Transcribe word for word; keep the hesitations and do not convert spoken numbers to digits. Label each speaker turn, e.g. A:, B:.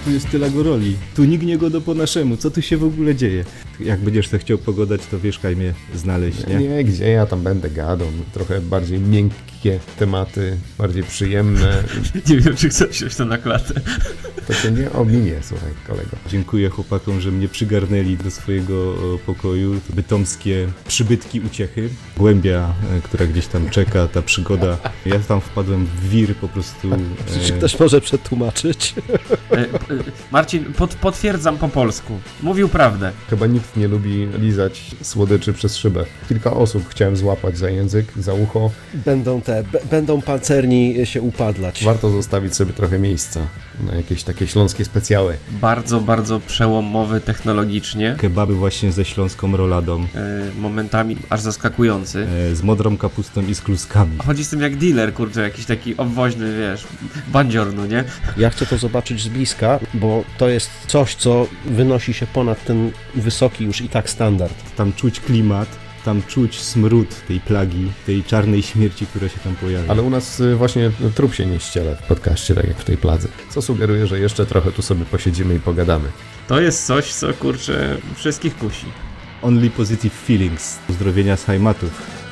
A: tu jest tyle go roli. Tu nignie go do po naszemu. Co tu się w ogóle dzieje? Jak będziesz to chciał pogadać, to wieszkaj mnie znaleźć, nie?
B: Nie, gdzie ja tam będę gadał. Trochę bardziej miękkie tematy, bardziej przyjemne.
C: Nie wiem, czy chcesz wziąć to na klatę.
B: To się nie ominie, słuchaj, kolego.
A: Dziękuję chłopakom, że mnie przygarnęli do swojego o, pokoju. Bytomskie przybytki uciechy. Głębia, e, która gdzieś tam czeka, ta przygoda. Ja tam wpadłem w wir po prostu.
D: Czy ktoś może przetłumaczyć?
C: E, e, Marcin, pod, potwierdzam po polsku. Mówił prawdę.
B: Chyba nikt nie lubi lizać słodyczy przez szybę. Kilka osób chciałem złapać za język, za ucho.
D: Będą te, b- będą pancerni się upadlać.
B: Warto zostawić sobie trochę miejsca na jakieś takie śląskie specjały.
C: Bardzo, bardzo przełomowy technologicznie.
A: Kebaby właśnie ze śląską roladą.
C: E, momentami aż zaskakujący.
A: E, z modrą kapustą i z kluskami.
C: Chodzi z tym jak dealer, kurczę, jakiś taki obwoźny, wiesz, bandzior, no nie?
D: Ja chcę to zobaczyć z bliska, bo to jest coś, co wynosi się ponad ten wysoki już i tak standard.
A: Tam czuć klimat, tam czuć smród tej plagi, tej czarnej śmierci, która się tam pojawia.
B: Ale u nas y, właśnie trup się nie ściele w podcaście, tak jak w tej pladze. Co sugeruje, że jeszcze trochę tu sobie posiedzimy i pogadamy.
C: To jest coś, co, kurczę, wszystkich kusi.
A: Only positive feelings. Pozdrowienia z Heimatów.